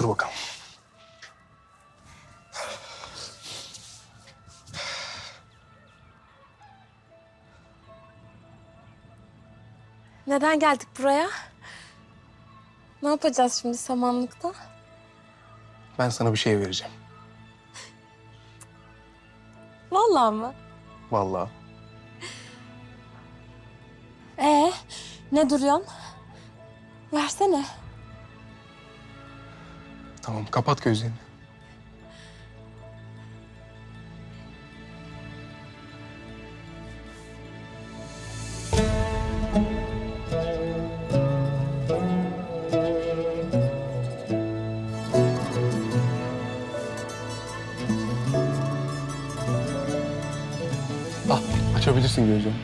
Otur bakalım. Neden geldik buraya? Ne yapacağız şimdi samanlıkta? Ben sana bir şey vereceğim. Vallahi mı? Vallahi. Ne duruyorsun? Versene. Tamam, kapat gözlerini. Al, açabilirsin gözlerini.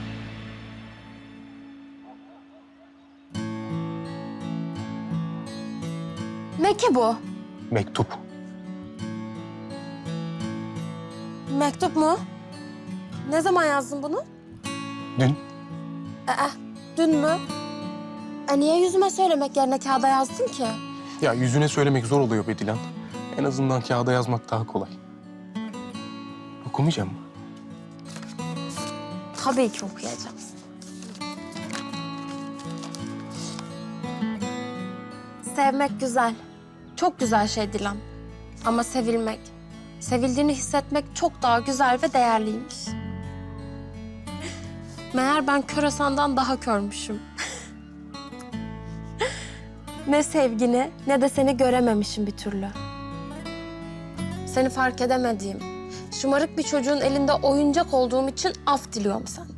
Ne ki bu? Mektup. Mektup mu? Ne zaman yazdın bunu? Dün. Dün mü? Niye yüzüme söylemek yerine kağıda yazdın ki? Ya yüzüne söylemek zor oluyor be Dilan. En azından kağıda yazmak daha kolay. Okumayacağım mı? Tabii ki okuyacağım. Sevmek güzel. Çok güzel şey Dilan. Ama sevilmek, sevildiğini hissetmek çok daha güzel ve değerliymiş. Meğer ben kör Hasan'dan daha körmüşüm. Ne sevgini ne de seni görememişim bir türlü. Seni fark edemediğim, şımarık bir çocuğun elinde oyuncak olduğum için af diliyorum senden.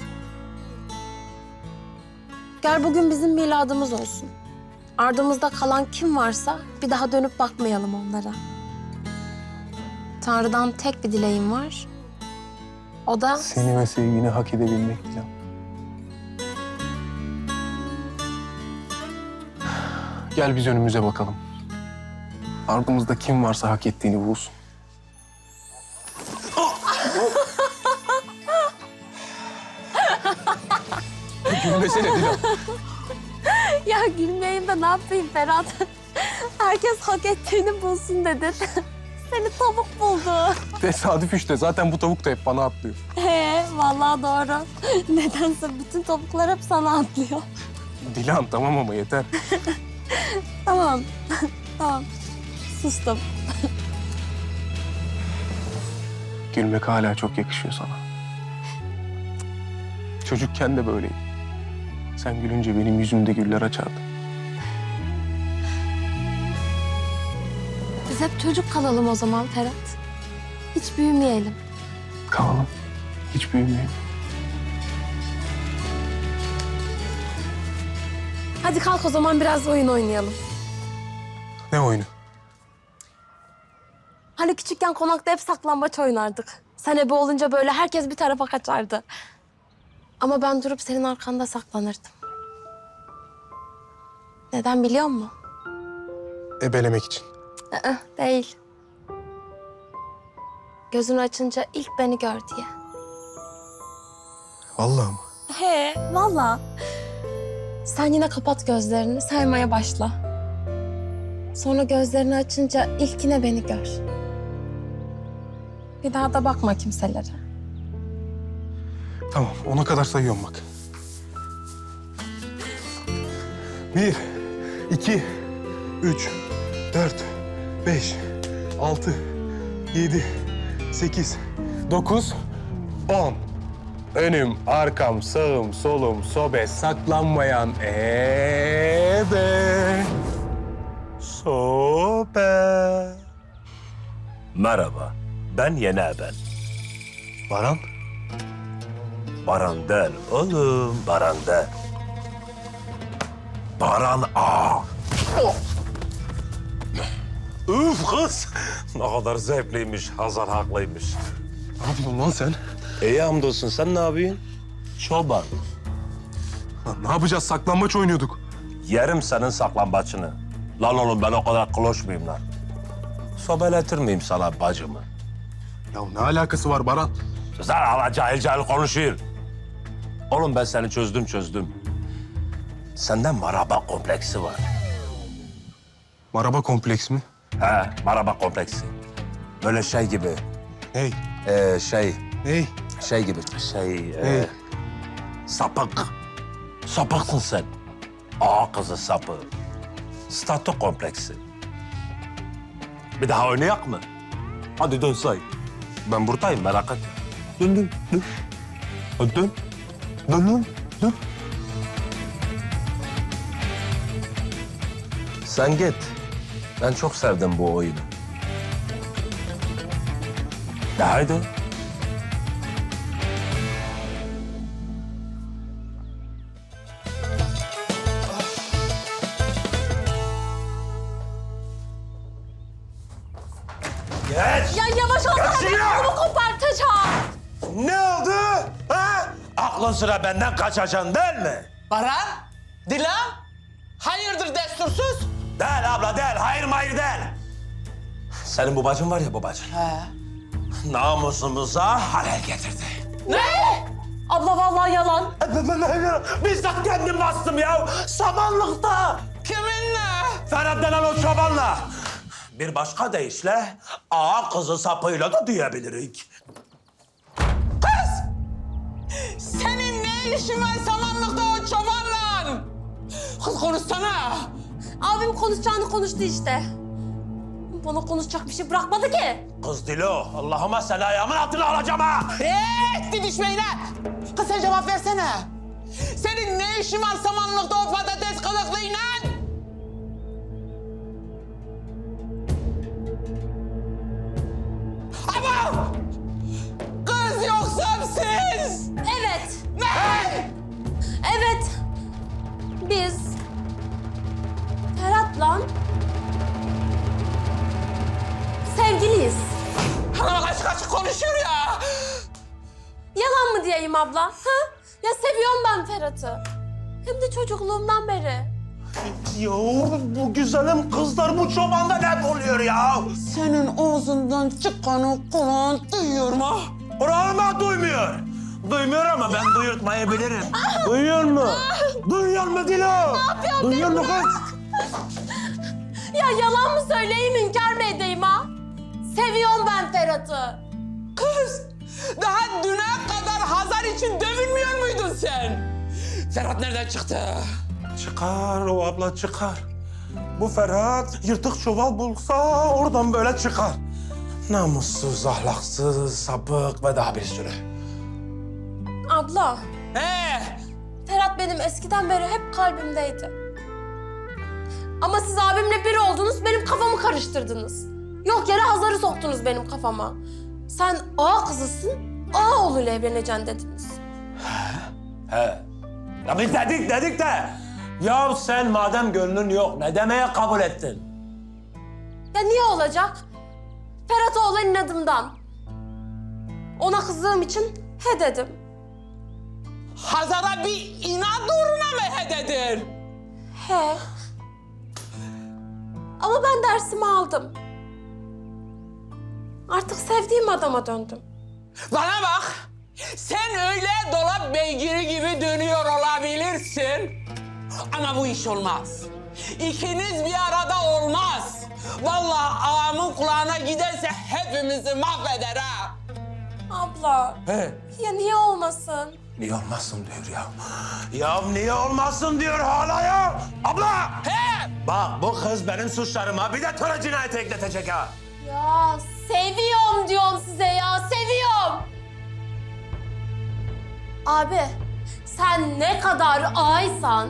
Gel bugün bizim miladımız olsun. Ardımızda kalan kim varsa bir daha dönüp bakmayalım onlara. Tanrı'dan tek bir dileğim var. O da... Seni ve sevgini hak edebilmek Dilan. Gel biz önümüze bakalım. Ardımızda kim varsa hak ettiğini bulsun. Gülmesene Dilan. Ya gülmeyeyim de ne yapayım Ferhat? Herkes hak ettiğini bulsun dedin. Seni tavuk buldu. Tesadüf işte. Zaten bu tavuk da hep bana atlıyor. Vallahi doğru. Nedense bütün tavuklar hep sana atlıyor. Dilan tamam ama yeter. Tamam. Tamam. Sustum. Gülmek hala çok yakışıyor sana. Çocukken de böyleydi. Sen gülünce benim yüzümde güller açardı. Biz hep çocuk kalalım o zaman Ferhat. Hiç büyümeyelim. Kalalım. Hiç büyümeyelim. Hadi kalk o zaman biraz oyun oynayalım. Ne oyunu? Hani küçükken konakta hep saklambaç oynardık. Sen ebe olunca böyle herkes bir tarafa kaçardı. Ama ben durup senin arkanda saklanırdım. Neden biliyor musun? Ebelemek için. Değil. Gözünü açınca ilk beni gör diye. Vallahi mı? Vallahi. Sen yine kapat gözlerini, saymaya başla. Sonra gözlerini açınca ilkine beni gör. Bir daha da bakma kimselere. Tamam, ona kadar sayıyorum bak. 1, 2, 3, 4, 5, 6, 7, 8, 9, 10. Önüm, arkam, sağım, solum, sobe, saklanmayan ebe. Sobe. Merhaba, ben Yeni Eben. Baran, Baran değil oğlum, Baran değil. Baran A. Üf kız! Ne kadar zevkliymiş, Hazar haklıymış. ne yapıyorsun lan sen? İyi hamdolsun, sen ne yapıyorsun? Çoban. Lan ne yapacağız? Saklambaç oynuyorduk. Yerim senin saklambaçını. Lan oğlum ben o kadar kloş muyum lan? Sobeletir miyim sana bacımı? Ya ne alakası var Baran? Sen hala cahil cahil konuşuyor. Oğlum ben seni çözdüm. Sende maraba kompleksi var. Maraba kompleks mi? He, maraba kompleksi. Böyle şey gibi. Hey, Şey hey. gibi. Hey. Sapık. Sapıksın sen. Ağa kızı sapı. Statü kompleksi. Bir daha oynayak mı? Hadi dön say. Ben buradayım, merak etme. Dön. Hadi dön. Dön. Sen git. Ben çok sevdim bu oyunu. De haydi. Geç! Ya yavaş olsana Kaçıyor! ben kolumu kopartacağım. Ne oldu? Ha? Aklın sıra benden kaçacaksın değil mi? Baran, Dilan, hayırdır destursuz? Değil abla değil, hayır değil. Senin bu bacın var ya bu bacın. He. Namusumuza halel getirdi. Ne? Abla vallahi yalan. Bizzat kendim bastım ya. Samanlıkta. Kiminle? Ferhat denen o çobanla. Bir başka deyişle ağa kızı sapıyla da diyebilirik. Senin ne işin var samanlıkta o çobanla? Kız konuşsana. Abim konuşacağını konuştu işte. Bana konuşacak bir şey bırakmadı ki. Kız Dilo, Allah'ıma seni ayağımın altına alacağım ha. Didişmeyin ha. Kız sen cevap versene. Senin ne işin var samanlıkta o patates kılıklıyla? Ama! Kız yoksa siz! Evet. Ne? Evet. Biz Ferhat'la sevgiliyiz. Hanım açık açık konuşuyor ya. Yalan mı diyeyim abla? Ha? Ya seviyorum ben Ferhat'ı. Hem de çocukluğumdan beri. Ya bu güzelim kızlar bu çobanda ne oluyor ya? Senin ağzından çıkanı kulağın duyuyor mu? Kulağıma duymuyor. Duymuyor ama ben duyurtmayı bilirim. Duyuyor mu? Duyuyor mu Dilo? Ne yapıyorsun Duyuyor mu kız? Ya yalan mı söyleyeyim, inkar mı edeyim ha? Seviyorum ben Ferhat'ı. Kız, daha düne kadar Hazar için dövülmüyor muydun sen? Ferhat nereden çıktı? Çıkar o abla çıkar. Bu Ferhat yırtık çuval bulsa oradan böyle çıkar. Namussuz, ahlaksız, sapık ve daha bir sürü. Abla, Ferhat benim eskiden beri hep kalbimdeydi. Ama siz abimle bir oldunuz, benim kafamı karıştırdınız. Yok yere Hazar'ı soktunuz benim kafama. Sen ağa kızısın, ağa oğluyla evleneceksin dediniz. He. Ya biz dedik de. Ya sen madem gönlün yok ne demeye kabul ettin? Ya niye olacak? Ferhat'a olan inadımdan. Ona kızdığım için he dedim. Hazar'a bir inat uğruna mı hededin? He. Ama ben dersimi aldım. Artık sevdiğim adama döndüm. Bana bak, sen öyle dolap beygiri gibi dönüyor olabilirsin. Ama bu iş olmaz. İkiniz bir arada olmaz. Vallahi ağamın kulağına giderse hepimizi mahveder ha. Abla. He. Ya niye olmasın? Niye olmasın diyor ya. Ya niye olmasın diyor hala ya. Abla! He! Bak bu kız benim suçlarıma bir de töre cinayeti ekletecek ha. Ya seviyorum diyorum size ya, seviyorum. Abi, sen ne kadar ağaysan,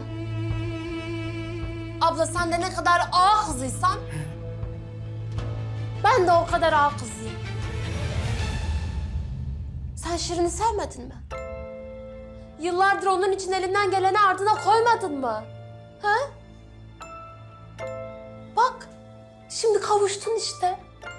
abla sen de ne kadar ağa kızıysan, ben de o kadar ağa kızıyım. Sen Şirin'i sevmedin mi? Yıllardır onun için elinden geleni ardına koymadın mı? Ha? Bak, şimdi kavuştun işte.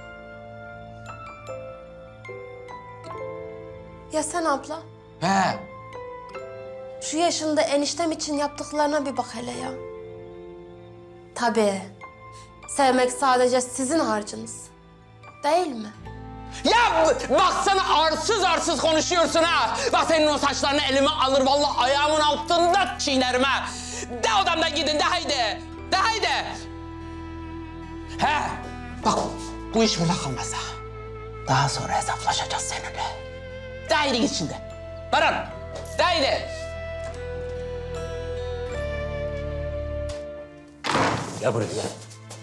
Ya sen abla? He! Şu yaşında eniştem için yaptıklarına bir bak hele ya. Tabii. Sevmek sadece sizin harcınız. Değil mi? Ya baksana arsız konuşuyorsun ha. Bak senin o saçlarını elime alır vallahi ayağımın altında çiğnerim ha. De odamdan gidin de haydi. De haydi. He. Bak bu iş burada kalmaz ha. Daha sonra hesaplaşacağız seninle. Dahil git şimdi. Baran, dahil. Gel buraya gel.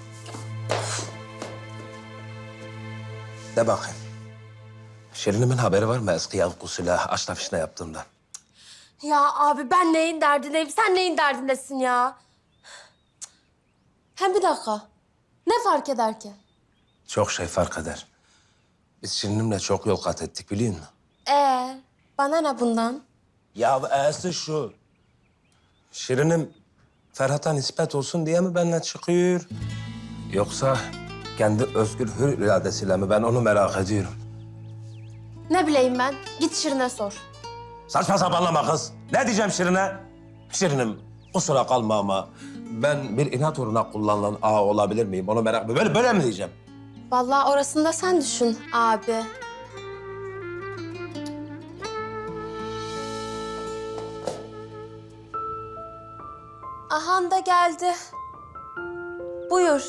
De bakayım. Şirin'imin haberi var mı eski yankısıyla aşna fişne yaptığımdan? Ya abi ben neyin derdindeyim, sen neyin derdindesin ya? Hem bir dakika. Ne fark eder ki? Çok şey fark eder. Biz Şirin'imle çok yol kat ettik biliyor musun? Bana ne bundan? Ya e'si şu. Şirin'im Ferhat'a nispet olsun diye mi benimle çıkıyor? Yoksa kendi özgür hür iradesiyle mi? Ben onu merak ediyorum. Ne bileyim ben? Git Şirin'e sor. Saçma sapanlama kız. Ne diyeceğim Şirin'e? Şirin'im kusura kalma ama ben bir inat uğruna kullanılan ağa olabilir miyim? Onu merak ediyorum. Böyle mi diyeceğim? Vallahi orasını da sen düşün abi. Ahan da geldi. Buyur.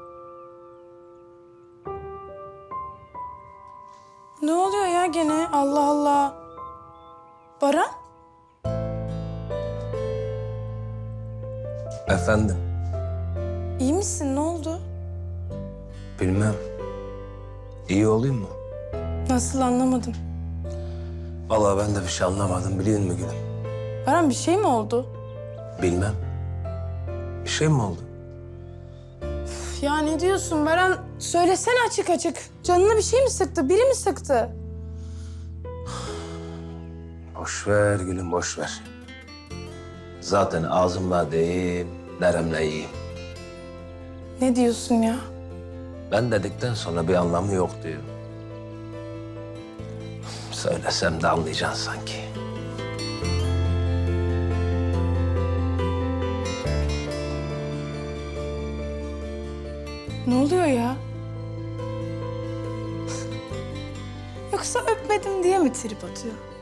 Ne oluyor ya gene? Allah Allah. Baran? Efendim, İyi misin? Ne oldu? bilmem. İyi olayım mı? Nasıl anlamadım. Vallahi ben de bir şey anlamadım biliyor musun gülüm? Baran bir şey mi oldu? Bilmem. Bir şey mi oldu? Üf, ya ne diyorsun Baran? Söylesene açık açık. Canına bir şey mi sıktı? Biri mi sıktı? Boş ver gülüm, boş ver. Zaten ağzımla değil, neremle yiyeyim. Ne diyorsun ya? Ben dedikten sonra bir anlamı yok diyor. Söylesem de anlayacaksın sanki. Ne oluyor ya? Yoksa öpmedim diye mi trip atıyor?